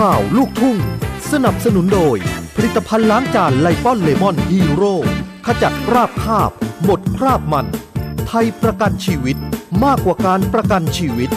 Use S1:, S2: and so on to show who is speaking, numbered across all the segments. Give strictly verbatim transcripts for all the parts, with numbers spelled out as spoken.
S1: ข่าวลูกทุ่งสนับสนุนโดยผลิตภัณฑ์ล้างจานไลปอนเลมอนฮีโร่ขจัดคราบคาบหมดคราบมันไทยประกันชีวิตมากกว่าการประกันชีวิต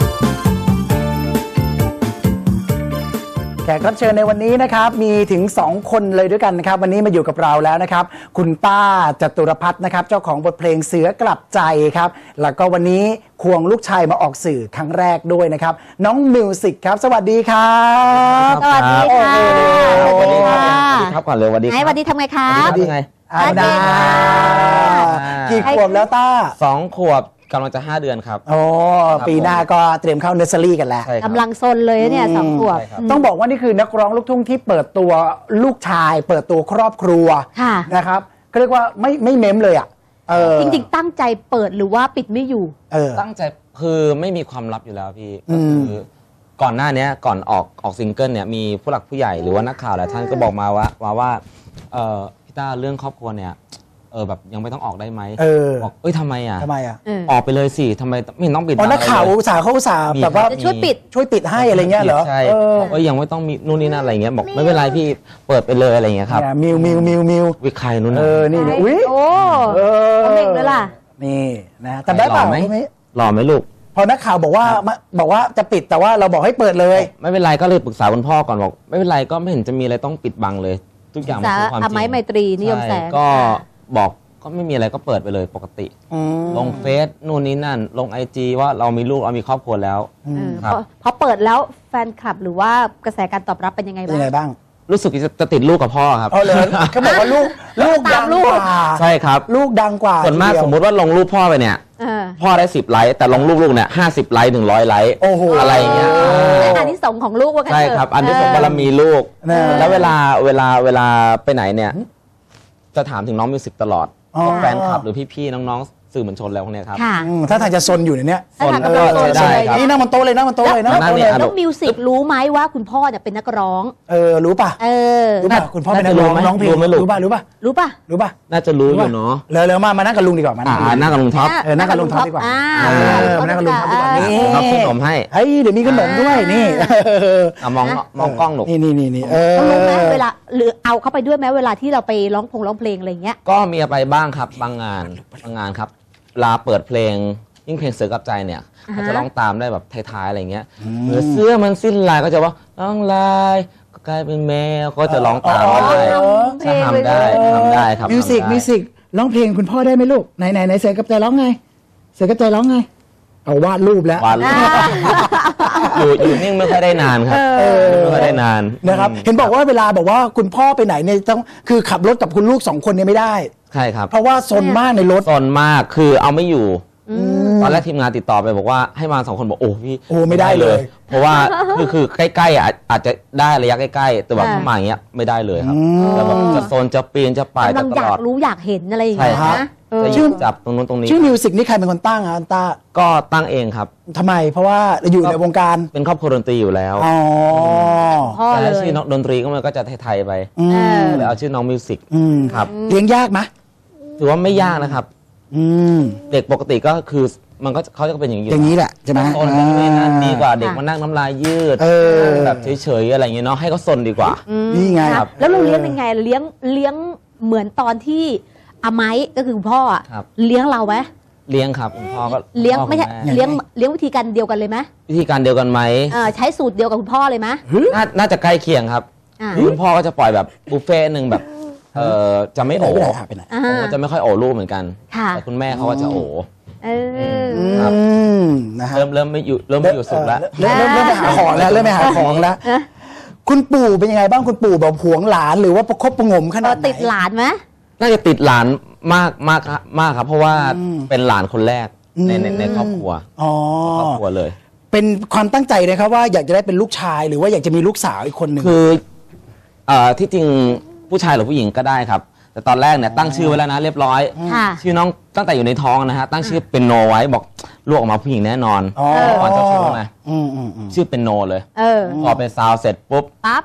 S2: แขกรับเชิญในวันนี้นะครับมีถึงสองคนเลยด้วยกันนะครับวันนี้มาอยู่กับเราแล้วนะครับคุณป้าจตุรพัฒน์นะครับเจ้าของบทเพลงเสือกลับใจครับแล้วก็วันนี้ควงลูกชายมาออกสื่อครั้งแรกด้วยนะครับน้องมิวสิกครับสวัสดีครับ
S3: สวัสดีค่ะ
S4: สวัสดีค่ะสวัสดีครับก่อนเลยสวัสดีครับ
S3: สวัสดีทำไงคะ
S4: สวัสดีไง
S2: อาดากี่ขวบแล้วต้า
S4: สองขวบกำลังจะห้าเดือนครับ
S2: โอ้ปีหน้าก็เตรียมเข้าเนอร์เซอรี่กันแล้ว
S3: กำลังซนเลยเนี่ยสองขวบ
S2: ต้องบอกว่านี่คือนักร้องลูกทุ่งที่เปิดตัวลูกชายเปิดตัวครอบครัวนะครับก็เรียกว่าไม่ไม่เม้มเลยอ่ะ
S3: จริงๆตั้งใจเปิดหรือว่าปิดไม่อยู่
S4: ตั้งใจคือไม่มีความลับอยู่แล้วพี่ก็คือก่อนหน้านี้ก่อนออกออกซิงเกิลเนี่ยมีผู้หลักผู้ใหญ่หรือว่านักข่าวหลายท่านก็บอกมาว่าว่าว่าพี่ต้าเรื่องครอบครัวเนี่ยเออแบบยังไม่ต้องออกได้ไหมบอกเอ้ยทำไมอ่ะ
S2: ทำไมอ่ะ
S4: ออกไปเลยสิทำไมไม่ต้องปิด
S2: อ๋อนักข่าวอุตส่าห์เขาอุตส่าห์แบบว่า
S3: ช่วยปิด
S2: ช่วยปิดให้อะไรเงี้ยเหรอ
S4: ใช่เอ้ยยังไม่ต้องมีนู่นนี่นั่นอะไรเงี้ยบอกไม่เป็นไรพี่เปิดไปเลยอะไรเงี้ยครับ
S2: มิวมิวมิวมิว
S4: วิใครนู่น
S2: เออนี่อุ้ย
S3: โอ้เม่งเลยล่ะ
S2: นี่นะแต่ได้เปล่าไหม
S4: หล่อไหมลูก
S2: พอนักข่าวบอกว่าบอกว่าจะปิดแต่ว่าเราบอกให้เปิดเลย
S4: ไม่เป็นไรก็เลยปรึกษาคุณพ่อก่อนบอกไม่เป็นไรก็ไม่เห็นจะมีอะไรต้องปิดบังเลยทุกอย่างมันคือความจริง
S3: อไมตรีนิยมแสง
S4: ก็บอกก็ไม่มีอะไรก็เปิดไปเลยปกติลงเฟซนู่นนี่นั่นลงไอจีว่าเรามีลูกเรามีครอบครัวแล้ว
S3: ครับพอเปิดแล้วแฟนคลับหรือว่ากระแสการตอบรับเป็นยังไงบ้าง
S2: ยังไงบ้าง
S4: รู้สึกจะติดลูกกับพ่อครับ
S2: เอาเลยเขาบอกว่าลูกลูกดังกว่า
S4: ใช่ครับ
S2: ลูกดังกว่า
S4: ส่วนมากสมมติว่าลงรูปพ่อไปเนี่ยพ่อได้สิบไลค์แต่ลงรูปลูกเนี่ยห้าสิบไลค์ถึงร้อยไลค์อะไรอย่างเงี้ย
S3: อันที่สองของลูกว่ากัน
S4: ใช่ครับอันที่สองบารมีลูกแล้วเวลาเวลาเวลาไปไหนเนี่ยจะถามถึงน้องมิวสิกตลอดแฟนคลับหรือพี่ๆน้องๆสื่อมวลชนแล้วพวกนี้ครับ
S2: ถ้าทางจะซนอยู่ในนี้
S3: ซนก็
S4: ได้ครับ
S2: นี่นั่งบนโต๊ะเลยนั่งบนโต๊ะเลยนะ
S3: แล้วมิวสิกรู้ไหมว่าคุณพ่อเนี่ยเป็นนักร้อง
S2: เออรู้ป่ะ
S3: เออ
S2: รู้ป่ะคุณพ่อเป็นนักร้องร้องเพลงรู้ป่ะรู้ป่ะ
S3: รู้ป่ะ
S2: รู้ป่ะ
S4: น่าจะรู้อยู่เนาะ
S2: เลยเลยมามานั่งกับลุงดีกว่ามา
S4: นั่งกับลุงท็อป
S2: เออนั่งกับลุงท็อปดีกว่าเออมานั่งกับลุงท็อปดีกว่านี่
S4: ท็อปขนมให้
S2: เฮ้ยเดี๋ยวมีขนมด้วยนี่
S4: มองมองกล้องหนู
S2: นี่นี่นี่นี่เออ
S3: รู้ไหมเวลาหรือเอาเข้าไปด้วยไหมเวลาที่เราไปร้องพงร้องเพลงอะไรเงี้ย
S4: ก็มีไปบ้างครับบางงานบางงานครับลาเปิดเพลงยิ่งเพลงเสือกับใจเนี่ยเขาจะร้องตามได้แบบท้ายๆอะไรเงี้ยเมื่อเสื้อมันสิ้นลายก็จะว่าร้องลายก็กลายเป็นแมวก็จะร้องตามได้ทำได้ทำได้ครับ
S2: มิวสิกมิวสิกร้องเพลงคุณพ่อได้ไหมลูกไหนไหนไหนเสือกับใจร้องไงเสือกับใจร้องไงเอาวาดรูปแล้ว
S4: วาดรูปอยู่อยู่นิ่งไม่ค่อยได้นานครับไม่ค่อยได้นาน
S2: นะครับเห็นบอกว่าเวลาบอกว่าคุณพ่อไปไหนเนี่ยต้องคือขับรถกับคุณลูกสองคนเนี่ยไม่ได้
S4: ใช่ครับ
S2: เพราะว่าซนมากในรถ
S4: ซนมากคือเอาไม่อยู่ตอนแรกทีมงานติดต่อไปบอกว่าให้มาสองคนบอกโอ้พี่
S2: โอ้ไม่ได้เลย
S4: เพราะว่าคือคือใกล้ๆอ่ะอาจจะได้ระยะใกล้ๆแต่แบบถ้ามาอย่างเงี้ยไม่ได้เลยครับจะแบบจะโซนจะปีนจะป่าย
S3: ตลอดอยากรู้อยากเห็นอะไรอย่างเงี้ยนะ
S4: ชื่อจับตรงนู้นตรงนี้
S2: ชื่อมิวสิกนี่ใครเป็นคนตั้งอ่ะอันต้า
S4: ก็ตั้งเองครับ
S2: ทำไมเพราะว่าอยู่ในวงการ
S4: เป็นครอบครัวดนตรีอยู่แล้ว
S2: อ๋อ
S4: แต่ชื่อน้องดนตรีก็มันก็จะไทยๆไปเลยเอาชื่อน้องมิวสิกครับ
S2: เลี้ยงยากไหม
S4: ถือว่าไม่ยากนะครับเด็กปกติก็คือมันก็เขาจะเป็นอย่างนี้
S2: อย่างนี้แหละใช่ไหม
S4: ซนกันไม่นั่นดีกว่าเด็กมานั่งน้ำลายยืดแบบเฉยๆอะไรอย่างเงี้ยเนาะให้เขาซนดีกว่า
S2: นี่ไง
S3: แล้วเราเลี้ยงยังไงเลี้ยงเลี้ยงเหมือนตอนที่อาไม้ก็คือพ่อเลี้ยงเราไหม
S4: เลี้ยงครับคุณพ่อก็
S3: เลี้ยงไม่ใช่เลี้ยงเลี้ยงวิธีการเดียวกันเลยไหม
S4: วิธีการเดียวกันไหม
S3: ใช้สูตรเดียวกับคุณพ่อเลยไหม
S4: น่าจะใกล้เคียงครับคุณพ่อก็จะปล่อยแบบบุฟเฟ่หนึ่งแบบเออจะไม่โอ๋ผมก็จะไม่ค่อยโอ๋ลูกเหมือนกันแต่คุณแม่เขาก็จะโอ๋ครับเริ่มเริ่มไม่อยู่เริ่มไม่อยู่สุขแล้ว
S2: เริ่มเริ่มไปหาของแล้วเริ่มไปหาของแล้วคุณปู่เป็นยังไงบ้างคุณปู่แบบหวงหลานหรือว่าประคบประงมขนาดไหน
S3: ติดหลานไหม
S4: น่าจะติดหลานมากมากมากครับเพราะว่าเป็นหลานคนแรกในในครอบครัวครอบครัวเลย
S2: เป็นความตั้งใจนะครับว่าอยากจะได้เป็นลูกชายหรือว่าอยากจะมีลูกสาวอีกคนหนึ่ง
S4: คือที่จริงผู้ชายหรือผู้หญิงก็ได้ครับแต่ตอนแรกเนี่ยตั้งชื่อไว้แล้วนะเรียบร้อยชื่อน้องตั้งแต่อยู่ในท้องนะฮะตั้งชื่อเป็นโนไว้บอกลูกออกมาผู้หญิงแน่นอนก่อนเจ้าชู้ไงชื่อเป็นโนเลยพอเป็นซาวเสร็จปุ๊บ
S3: ปั๊บ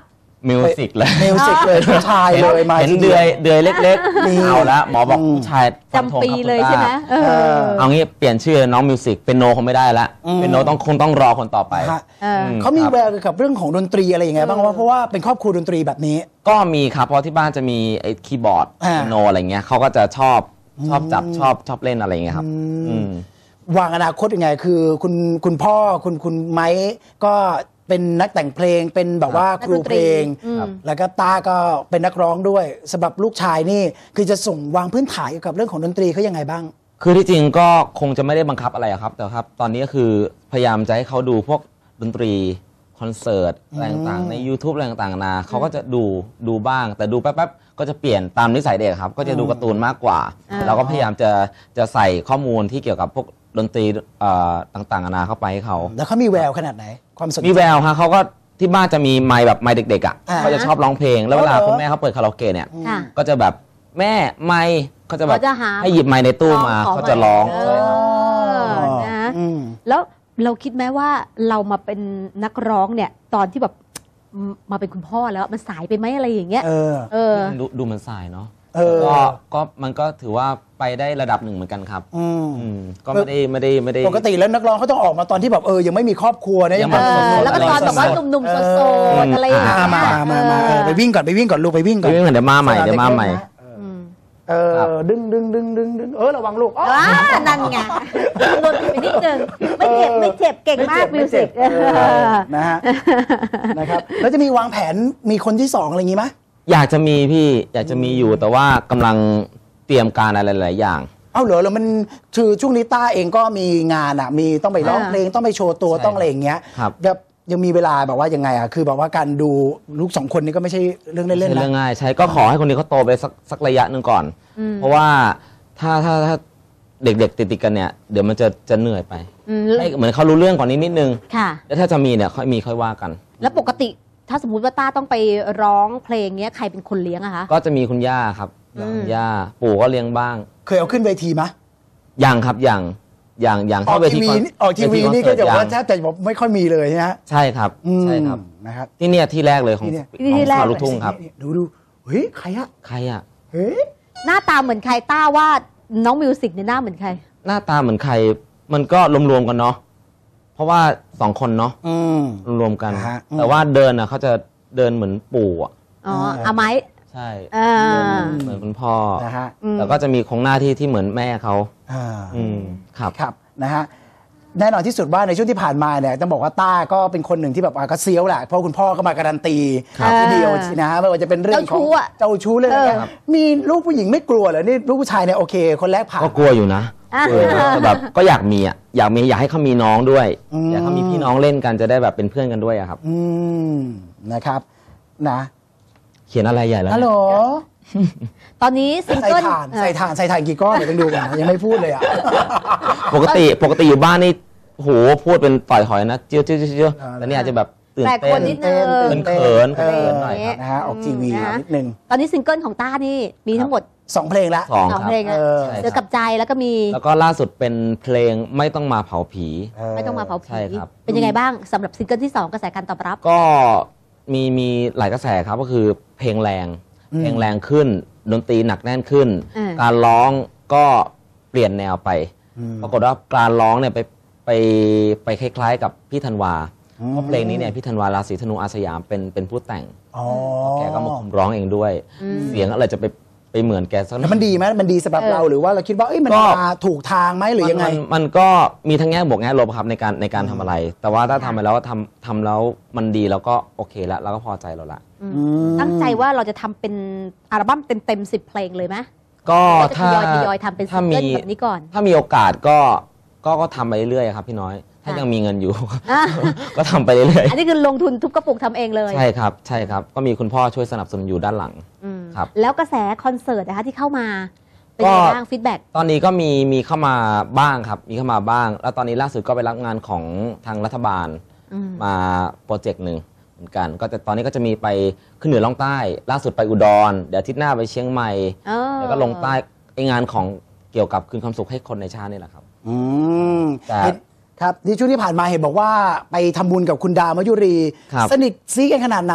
S4: มิวสิกเลย
S2: มิวสิกเลยผู้ชายเลยมา
S4: เห็น
S2: ที
S4: เดื
S2: เดี
S4: อ
S2: วย
S4: เดือยเล็ก
S2: นี่
S4: ๆเอาละหมอบอก
S2: อืม
S4: ผู้ชายฟันธง
S3: จำปี
S4: ครับ
S3: เลย
S4: คุณ
S3: ใช่ไหม
S4: ต้า
S3: เออ
S4: เอางี้เปลี่ยนชื่อน้องมิวสิกเป็นโนคงไม่ได้ละ
S2: อืม
S4: เป็นโนต้องคงต้องรอคนต่อไป
S2: ฮะ
S3: เออ
S4: ม
S2: เขามี
S4: ครับ
S2: แววเกี่ยวกับเรื่องของดนตรีอะไรอย่างเงี้ยบ้างว่าเพราะว่าเป็นครอบครัวดนตรีแบบนี้
S4: ก็มีครับเพราะที่บ้านจะมีไอ้คีย์บอร์ด
S2: อ่า
S4: เปียโนอะไรเงี้ยเขาก็จะชอบชอบจับชอบชอบเล่นอะไรเงี้ยครับอืม
S2: วางอนาคตยังไงคือคุณคุณพ่อคุณคุณไม้ก็เป็นนักแต่งเพลงเป็นแบบว่าครูเพลง
S3: อืม
S2: แล้วก็ตาก็เป็นนักร้องด้วยสำหรับลูกชายนี่คือจะส่งวางพื้นฐานเกี่ยวกับเรื่องของดนตรีเขายังไงบ้าง
S4: คือที่จริงก็คงจะไม่ได้บังคับอะไรอะครับ แต่ครับตอนนี้ก็คือพยายามจะให้เขาดูพวกดนตรีคอนเสิร์ตอะไรต่างๆใน YouTube อะไรต่างๆนานาเขาก็จะดูดูบ้าง แต่ดูแป๊บๆก็จะเปลี่ยนตามนิสัยเด็กครับ ก็จะดูการ์ตูนมากกว่า
S3: อ่า
S4: เราก็พยายามจะจะใส่ข้อมูลที่เกี่ยวกับพวกดนตรีเอ่อต่างๆนานาเข้าไปให้เขา
S2: แล้วเขามีแววขนาดไหน ความสนใจ
S4: มีแววฮะเขาก็ที่บ้านจะมีไมค์แบบไมค์เด็กๆอ่ะ
S2: อ่า
S4: เขาจะชอบร้องเพลง แล้วเวลา
S2: อ๋อเหรอ
S4: คุณแม่เขาเปิดคาราโอเกะเนี่ย
S3: ค่ะ
S4: ก็จะแบบแม่ไมค์เขาจะแบบ
S3: เขาจะหา
S4: ให้หยิบไมค์ในตู้มา
S3: ขอ
S4: เขาจะร้อง
S3: เอ
S4: ใช่ครับ
S3: อนะ
S2: อืม
S3: แล้วเราคิดไหมว่าเรามาเป็นนักร้องเนี่ย ตอนที่แบบมมาเป็นคุณพ่อแล้วมันสายไปไหมอะไรอย่างเงี้ย
S2: เออ
S3: เออ
S4: ดูดูมันสายเนาะ
S2: เออ
S4: ก็ก็มันก็ถือว่าไปได้ระดับหนึ่งเหมือนกันครับ
S2: อืม
S4: อืมก็ไม่ได้ไม่ได้ไม่ได้
S2: ปกติแล้วนักร้องเขาต้องออกมาตอนที่แบบเออยังไม่มีครอบครัวนะ
S4: ยัง
S2: แบบ
S3: เออ แล้วก็ตอนแบบว่า
S2: สดๆ
S3: หนุ่มๆโสดๆอะไรอย่าง
S2: อ่า
S3: เงี้ย
S2: มามามาเออไปวิ่งก่อนไปวิ่งก่อนลูกไปวิ่งก่อน
S4: เดี๋ยวมาใหม่เดี๋ยวมาใหม่
S3: อืม
S2: เออดึงดึงดึงดึงดึงเออระวังลูกอ๋อ
S3: ว้านั่นไงโดนไปนิดนึงไม่เจ็บไม่เจ็บเก่งมากมิวสิก
S2: เออนะฮะนะครับแล้วจะมีวางแผนมีคนที่สองอะไรอย่างงี้ไหม
S4: อยากจะมีพี่อยากจะมีอยู่แต่ว่ากำลังเตรียมการอะไรหลายๆอย่าง
S2: เอ้าเหรอแล้วมันคือช่วงนี้ต้าเองก็มีงานอ่ะมีต้องไปร้องเพลงต้องไปโชว์ตัว
S4: ใช่
S2: ต้องอะไรอย่างเงี้ย
S4: ครับ
S2: แบบยังมีเวลาแบบว่ายังไงอ่ะคือแบบว่าการดูลูกสองคนนี้ก็ไม่ใช่เรื่องเล่น
S4: ไม่
S2: ๆ
S4: ใช่
S2: นะ
S4: เรื่องง่ายใช่ก็ขอให้คนนี้เขาโตไปสักสักระยะหนึ่งก่อน
S3: อืม
S4: เพราะว่าถ้าถ้าถ้าเด็กๆติดๆกันเนี่ยเดี๋ยวมันจะจะเหนื่อยไป
S3: อืม
S4: ให้เหมือนเขารู้เรื่องก่อนนิดนิดนึง
S3: ค่ะ
S4: แล้วถ้าจะมีเนี่ยค่อยมีค่อยว่ากัน
S3: แล้วปกติถ้าสมมติว่าต้าต้องไปร้องเพลงเนี้ยใครเป็นคนเลี้ยงอะคะ
S4: ก็จะมีคุณย่าครับ
S3: อืม
S4: คุณย่าปู่ก็เลี้ยงบ้าง
S2: เคยเอาขึ้นเวทีไหม
S4: อย่างครับอย่างอย่างอย่าง
S2: ออ
S4: เข้าก เว
S2: ที
S4: ที
S2: วี
S4: คอน
S2: ออกทีวี
S4: เว
S2: นี่
S4: ค
S2: ก็
S4: อเสิ
S2: จะ
S4: ร์ต
S2: ว่า
S4: ยัง
S2: แทบจะบอกไม่ค่อยมีเลยนะฮะ
S4: ใช่ครับ
S2: อืม
S4: ใช่ครับ
S2: นะครับ
S4: ที่เนี่ยที่แรกเลยของ
S2: ที่เนี่ย
S4: ของ
S3: ที่แรก
S4: สาวลูกทุ่งครับ
S2: นี่ดูดูเฮ้ยใครอะ
S4: ใครอ่ะ
S2: เฮ้ย
S3: หน้าตาเหมือนใครต้าว่าน้องมิวสิกเนี่ยหน้าเหมือนใคร
S4: หน้าตาเหมือนใครมันก็รวมๆกันเนาะเพราะว่าสองคนเนาะ
S2: อืม
S4: รวมๆกัน
S2: อ่าฮะอืม
S4: แต่ว่าเดินอ่ะเขาจะเดินเหมือนปู่อ่ะ
S3: อ๋อ
S2: อ่า
S3: อาไม้
S4: ใช่
S3: อ่า
S4: เหมือนคุณพ่อ
S2: นะฮะ
S3: อืม
S4: แล้วก็จะมีโครงหน้าที่ที่เหมือนแม่เขา
S2: อ่า
S4: อืมครับ
S2: ครับนะฮะแน่นอนที่สุดว่าในช่วงที่ผ่านมาเนี่ยต้องบอกว่าต้าก็เป็นคนหนึ่งที่แบบอ่ะก็เซียวแหละเพราะคุณพ่อก็มาการันตี
S3: ครับ
S2: ทีเดียวนะฮะไม่ว่าจะเป็นเรื่องของ
S3: เจ้าชู้อะ
S2: เจ้าชู้เรื่องอะไร
S3: เออ
S2: เงี้ยมีลูกผู้หญิงไม่กลัวเหรอนี่ลูกผู้ชายเนี่ยโอเค คนแรกผ่าน
S4: ก็กลัวอยู่นะ
S3: อ่ะ
S4: กลัวอยู่นะแต่แบบก็อยากมีอ่ะอยากมีอยากให้เขามีน้องด้วย
S2: อืม
S4: อยากให้เขามีพี่น้องเล่นกันจะได้แบบเป็นเพื่อนกันด้วยอะครับ
S2: อืมนะครับนะ
S4: เขียนอะไรใหญ่แล้ว
S2: ฮัลโหล
S3: ตอนนี้ซิง
S2: ใส่
S3: เกิล
S2: ถ่านใส่ถ่านใส่ถ่านกี่ก้อนเดี๋ยวต้องดูก่อนนะยังไม่พูดเลยอ่ะ
S4: ปกติปกติอยู่บ้านนี่โหพูดเป็นต่อยหอยนะเจียวเจียวเจียวเจียว
S2: อ่า
S4: แต่นี่อาจจะแบบตื่น
S3: แปลก
S4: เต้
S3: คน
S4: น
S3: นิดนึง
S4: เป็นเขิน
S2: เออ
S4: เขินหน่อยครับ
S2: นะฮะออกทีวี
S3: อืมนะ
S2: นิดนึง
S3: ตอนนี้ซิงเกิลของต้านี่มีทั้งหมด
S2: สองเพลงละ
S4: สอง
S3: สอง
S4: ครับ
S3: เพลงอะ
S2: เออ
S4: ใช่
S3: เสือกับใจแล้วก็มี
S4: แล้วก็ล่าสุดเป็นเพลงไม่ต้องมาเผาผี
S2: เออ
S3: ไม่ต้องมาเผาผี
S4: ใช่ครับ
S3: เป็นยังไงบ้างสำหรับซิงเกิลที่สองกระแสการตอบรับ
S4: ก็มีมีหลายกระแสครับก็คือเพลงแรง
S2: อืม
S4: เพลงแรงขึ้น ดนตรีหนักแน่นขึ้น
S3: อืม
S4: การร้องก็เปลี่ยนแนวไป
S2: อืม
S4: ปรากฏว่าการร้องเนี่ยไปไปไปคล้ายๆ กับพี่ธันวา
S2: อืม
S4: เพราะเพลงนี้เนี่ยพี่ธันวาราศีธนูอาสยามเป็นเป็นผู้แต่ง
S2: อ๋อ
S4: แกก็มาคุมร้องเองด้วย
S3: อืม
S4: เสียงอะไรจะไปไปเหมือนแกสักห
S2: แล้ว
S4: อย
S2: มันดีไหมมันดีสำหรับ
S3: เออ
S2: เราหรือว่าเราคิดว่าเอ้ยมัน
S4: ก็
S2: มาถูกทางไหมหรือยังไง
S4: มันมันมันก็มีทั้งแง่บวกแง่ลบครับในการในการทำอะไร แต่ว่าถ้าทำไปแล้วทำทำแล้วมันดีแล้วก็โอเคแล้วเราก็พอใจเราละ
S3: อืม
S2: อืม
S3: ตั้งใจว่าเราจะทำเป็นอัลบั้มเต็มๆสิบเพลงเลยไหม
S4: ก็
S3: ก็จะท
S4: ถ้าย
S3: อยทยอยทำเป็นซิ
S4: ถ้าง
S3: เกิ
S4: มี
S3: ลแบบนี้ก่อน
S4: ถ้ามีโอกาสก็ก็ก็ทำไปเรื่อยๆครับพี่น้อย ถ้า
S3: ค่ะ
S4: ยังมีเงินอยู่
S3: อ่ะ
S4: ก็ทำไปเรื่อย
S3: อันนี้คือลงทุนทุบกระปุกทำเองเลย
S4: ๆใช่ครับใช่ครับ ก็มีคุณพ่อช่วยสนับสนุนอยู่ด้านหลัง
S3: อืม
S4: ครับ
S3: แล้วกระแสคอนเสิร์ตนะคะที่เข้ามา เป็นยังไง
S4: ก็
S3: บ้างฟีดแบ็ก
S4: ตอนนี้ก็มีมีเข้ามาบ้างครับ มีเข้ามาบ้าง แล้วตอนนี้ล่าสุดก็ไปรับงานของทางรัฐบาลมาโปรเจกต์หนึ่งเหมือนกัน ก็แต่ตอนนี้ก็จะมีไปขึ้นเหนือล่องใต้ ล่าสุดไปอุดร เดี๋ยวอาทิตย์หน้าไปเชียงใหม่ แล้วก็ลงใต้ไองานของเกี่ยวกับคืนความสุขให้คนในชาตินี่แหละครับ
S2: อืม
S4: แต่
S2: เห็นครับที่ช่วงที่ผ่านมาเห็นบอกว่าไปทำบุญกับคุณดาวมยุรี
S4: ครับ
S2: สนิทซีกันขนาดไหน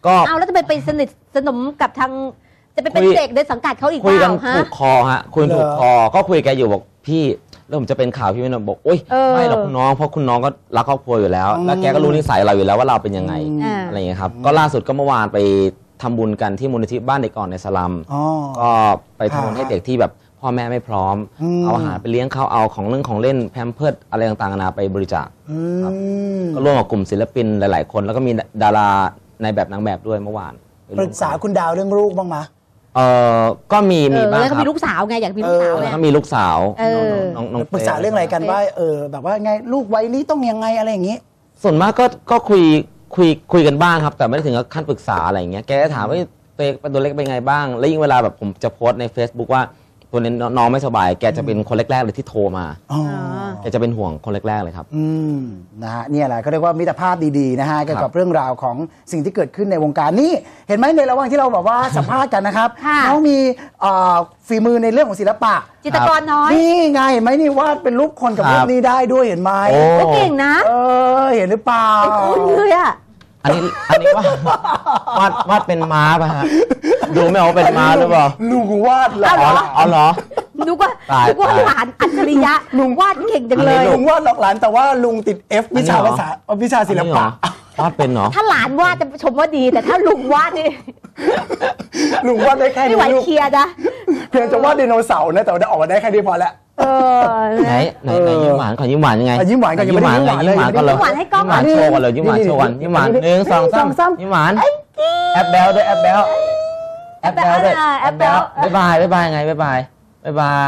S4: ก็
S3: เอาแล้วจะไปไปสนิทสนมกับทางจะไปเป็น
S4: คุย
S3: เด็กในสังกัดเขาอีก
S4: คุย
S3: เป
S4: กัน
S3: ล่าฮะ
S4: ถูกคอฮะคุยกันถูกคอก็คุยแกอยู่บอกพี่แล้วผมจะเป็นข่าวพี่ไม่นบอกโอ๊ย
S3: เออ
S4: ไม่หรอกคุณน้องเพราะคุณน้องก็รักครอบครัวอยู่แล้ว แล้วแกก็รู้นิสัยเราอยู่แล้วว่าเราเป็นยังไง
S3: อ่า
S4: อะไรอย่างเงี้ยครับก็ล่าสุดก็เมื่อวานไปทำบุญกันที่มูลนิธิบ้านเด็กอ่อนในสลัม
S2: อ๋อ
S4: ก็ไปทำบุญให้เด็กที่แบบพ่อแม่ไม่พร้อม
S2: อืม
S4: เอาอาหารไปเลี้ยงเขาเอาของเรื่องของเล่นแพมเพิร์ดอะไรต่างๆนานาไปบริจาค
S2: อืม
S4: ก็ร่วมกับกลุ่มศิลปินหลาย ๆ คน แล้วก็มีดาราในแบบนางแบบด้วยเมื่อวานไป
S2: ป
S4: ร่วมน
S2: รึกษาคุณดาวเรื่องลูกบ้างไหม
S4: เออก็มี
S3: เอ
S4: มี
S3: อ
S4: บ้าง
S3: แล้ว
S4: ค
S3: ก็
S4: รับ
S3: มีลูกสาวไงอยากมีลูกสาว
S2: เออ
S3: ไง
S4: แล้วก็มีลูกสาว
S3: เออ
S4: น้องน้อง
S2: ปรึกษาเรื่องอะไรกันว่าเออแบบว่าไงลูกวัยนี้ต้องยังไงอะไรอย่างนี้
S4: ส่วนมากก็ก็คุยคุยคุยกันบ้างครับ แต่ไม่ได้ถึงกับขั้นปรึกษาอะไรอย่างเงี้ยแกก็ถามว่าตัวเองตัวเล็กเป็นไงบ้าง แล้วยิ่งเวลาแบบผมจะโพสต์ใน Facebook ว่าตัวนี้น้องไม่สบาย แกจะเป็นคนแรกๆเลยที่โทรมา
S2: อ๋อ
S4: แกจะเป็นห่วงคนแรกๆเลยครับ
S2: อืมนะฮะเนี่ยแหละเขาเรียกว่ามิตรภาพดีๆนะฮะเกี่ยวกับเรื่องราวของสิ่งที่เกิดขึ้นในวงการนี่เห็นไหมในระหว่างที่เราแบบว่า สัมภาษณ์กันนะครับ
S3: ค่ะ
S2: น้องมีเอ่อฝีมือในเรื่องของศิลปะ
S3: จิตรกรน้อย
S2: นี่ไงเห็นไหมนี่วาดเป็นรูปคนกับ
S4: ครับ
S2: รูปนี้ได้ด้วยเห็นไหม
S4: โอ้
S3: ก็เก่งนะ
S2: เออเห็นหรือเปล่า
S3: เป็นคุณเลยอ่ะ
S4: อันนี้อันนี้ว่าวาดวาดเป็นม้าป่ะฮะดูไม่ออกว่าเป็นม้าหรือเปล่า
S2: ลุงวาดเหรอ
S3: เอาเหรอ
S4: อ๋อเหรอ
S3: นึกว่า
S4: ตาย
S3: นึกว่า
S4: ตาย
S3: หลานอัจฉริยะลุงวาดเก่งจัง
S4: อัน
S3: เล
S4: นี้
S3: ย
S2: ลุงวาดหลอกหลานแต่ว่าลุงติด F วิชา
S4: อันนี้เหรอ
S2: ภาษาวิชาศิล
S4: อันนี้เหร
S2: ปะ
S4: อวาดเป็นเหรอ
S3: ถ้าหลานวาดจะชมว่าดี แต่ถ้าลุงวาดนี่
S2: ลุงวาดได้แค่
S3: ไม่
S2: นี้
S3: ไหว
S2: ลูก
S3: เคลียร์นะ
S2: เพียงจะวาดไดโนเสาร์นะแต่ว่าได้ออกมาได้แค่นี้พอแล้ว
S3: เออ
S4: ไหนไหนไหนยิ้มหวานก่อนยิ้มหวานยังไง
S2: อ่ะยิ้มหวานก่อนยังไม่ได้
S4: ยิ้มหวาน
S2: ยิ้มหวาน
S4: ก่อน
S2: เลย
S4: ยิ้มหวานก่อนเลย
S3: ยิ้มหวานให้กล้อง
S4: ยิ้มหวานโชว์ก่อนเลยยิ้มหวานโชว์ก่อนยิ้มหวาน
S2: นี่
S4: หนึ่งสองสาม
S2: สองสาม
S4: ยิ้มหวานแอปแบลด้วยแอปแบลแอปแบลด้วย
S3: แอปแบล
S4: บ๊ายบายบ๊ายบายไงบ๊ายบายบ๊ายบาย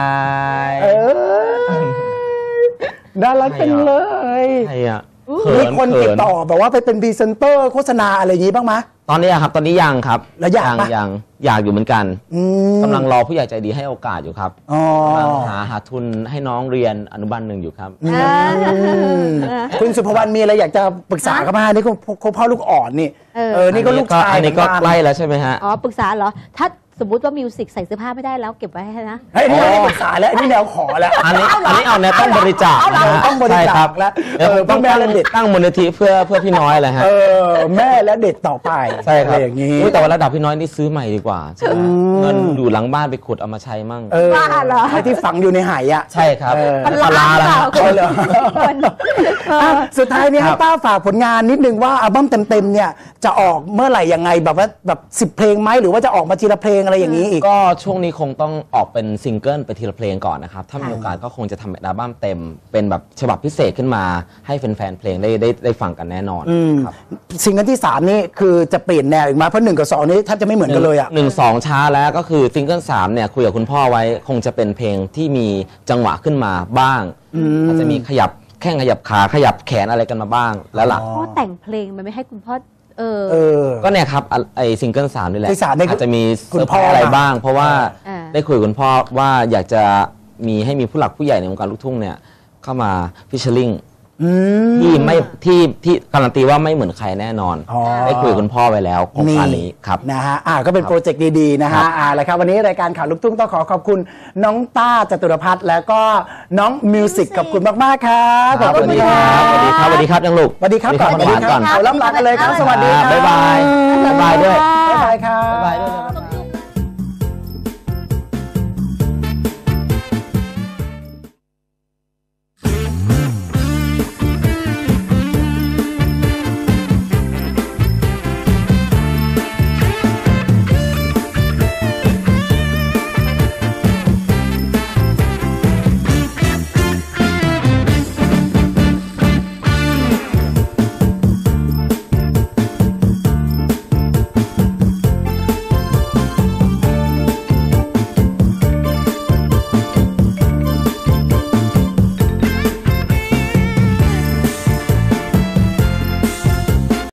S2: เออน่ารักจังเลย
S4: ใครอ่ะ
S2: มีคนติดต่อแบบว่าไปเป็นพรีเซนเตอร์โฆษณาอะไรอย่างนี้บ้างไหม
S4: ตอนนี้อะครับตอนนี้ยังครับ
S2: แล้วอยากปะ
S4: ยังอยากอยู่เหมือนกัน
S2: อืม
S4: กำลังรอผู้ใหญ่ใจดีให้โอกาสอยู่ครับ
S2: อ๋อก
S4: ำลังหาหาทุนให้น้องเรียนอนุบาลหนึ่งอยู่ครับ
S3: เออ
S2: คุณสุภวรรณมีอะไรอยากจะปรึกษาเขาไหมนี่คุณคุณพ่อลูกอ่อนนี่
S3: เออ
S2: เออนี่ก็ลูกชาย
S4: อันนี้ก็
S2: เหมือน
S4: ใกล้แล้วใช่ไหมฮะ
S3: อ๋อปรึกษาเหรอ ถ้าสมมติว่ามิวสิกใส่เสื้อผ้าไม่ได้แล้วเก็บไว้ให้นะ
S2: เฮ้ยนี่ไม่ได้ปรึกษาแล้วอันนี่แนวขอแล้ว
S4: อันนี้อันนี้เอาแนวต้องบริจาค
S2: เอาเหรอ
S4: นะฮะ
S2: ต้องบริจาค
S4: ใช่ครับ
S2: แล้ว
S4: เดี๋ยว
S2: เออ
S4: ต้อง
S2: แม่
S4: ตั้ง
S2: และเด็ก
S4: ตั้งมูลนิธิเพื่อเพื่อพี่น้อยเลยฮะ
S2: เออแม่และเด็กต่อไป
S4: ใช่ครับ
S2: อะไรอย่างนี้
S4: อุ๊ยแต่ว่าระดับพี่น้อยนี่ซื้อใหม่ดีกว่าใช่ไหมเงินอยู่หลังบ้านไปขุดเอามาใช้มั่ง
S2: เออ
S3: บ้าเหรอ
S2: ไอ้ที่ฝังอยู่ในไหายอ่ะ
S4: ใช่ครับ
S2: เออ
S3: มันล้านหรือเปล่า
S2: เอาเหรอ อ่ะสุดท้ายนี้
S4: ครั
S2: ให้
S4: บ
S2: ป้าฝากผลงานนิดนึงว่าอัลบั้มเต็มๆเนี่ยจะออกเมื่อไหร่ยังไงแบบว่าแบบสิบเพลงไหมหรือว่าจะออกมาทีละเพลงอะไรอย่างนี้อีก
S4: ก็ช่วงนี้คงต้องออกเป็นซิงเกิลไปทีละเพลงก่อนนะครับ ถ้ามีโอกาสก็คงจะทำอัลบั้มเต็ม เป็นแบบฉบับพิเศษขึ้นมาให้แฟนๆเพลงได้ได้ได้ฟังกันแน่นอนครับ
S2: ซิงเกิลที่สามนี่คือจะเปลี่ยนแนวอีกไหมาเพราะหนึ่งกับสองนี่แทบจะไม่เหมือนกันเลยอ่ะ
S4: หนึ่งสองช้าแล้วก็คือซิงเกิลสามเนี่ยคุยกับคุณพ่อไว้คงจะเป็นเพลงที่มีจังหวะขึ้นมาบ้างอาจจะมีขยับแข้งขยับขาขยับแขนอะไรกันมาบ้างแล้วล่ะ
S3: พ่อแต่งเพลงมันไม่ให้คุณพ่อ เออ
S2: เออ
S4: ก็เนี่ยครับอ่ะไอซิงเกิลสามนี่แหละ
S2: ที่สามเนี่ย
S4: อาจจะมี
S2: คุณ
S4: เซอร์ไพ
S2: พ่
S4: ร
S2: อ
S4: ส์อะไรบ้าง เพราะว่า
S3: อ่า
S4: ได้คุยกับคุณพ่อว่าอยากจะมีให้มีผู้หลักผู้ใหญ่ในวงการลูกทุ่งเนี่ยเข้ามาฟิชเชอร์ลิง
S2: อืม
S4: ที่ไม่ที่ที่การันตีว่าไม่เหมือนใครแน่นอน
S2: อ๋อ
S4: ได้คุยกับคุณพ่อไว้แล้วโครงการนี้ครับ
S2: นะฮะอ่าก็เป็นโปรเจกต์ดีๆนะ
S4: ครั
S2: ฮะ
S4: บ
S2: อ่าแล้วครับวันนี้รายการข่าวลูกทุ่งต้องขอขอบคุณน้องต้าจตุรพัฒน์แล้วก็น้องมิวสิกขอบคุณมากๆครับขอบ
S4: ส
S2: คุ
S4: วั
S2: ณ
S4: สดี
S2: ค
S4: ค
S2: รั
S4: รับ
S2: บ
S4: สวัสดีครับสวัสดีครับยังลูก
S2: สวัสดีครับ
S4: สวัสดีครับ
S2: ก่อน
S4: หวานๆก่อน
S2: เอาล่ำลากันเลยครับสวัสดีครับ
S4: บ๊ายบายบ๊ายบายด้วย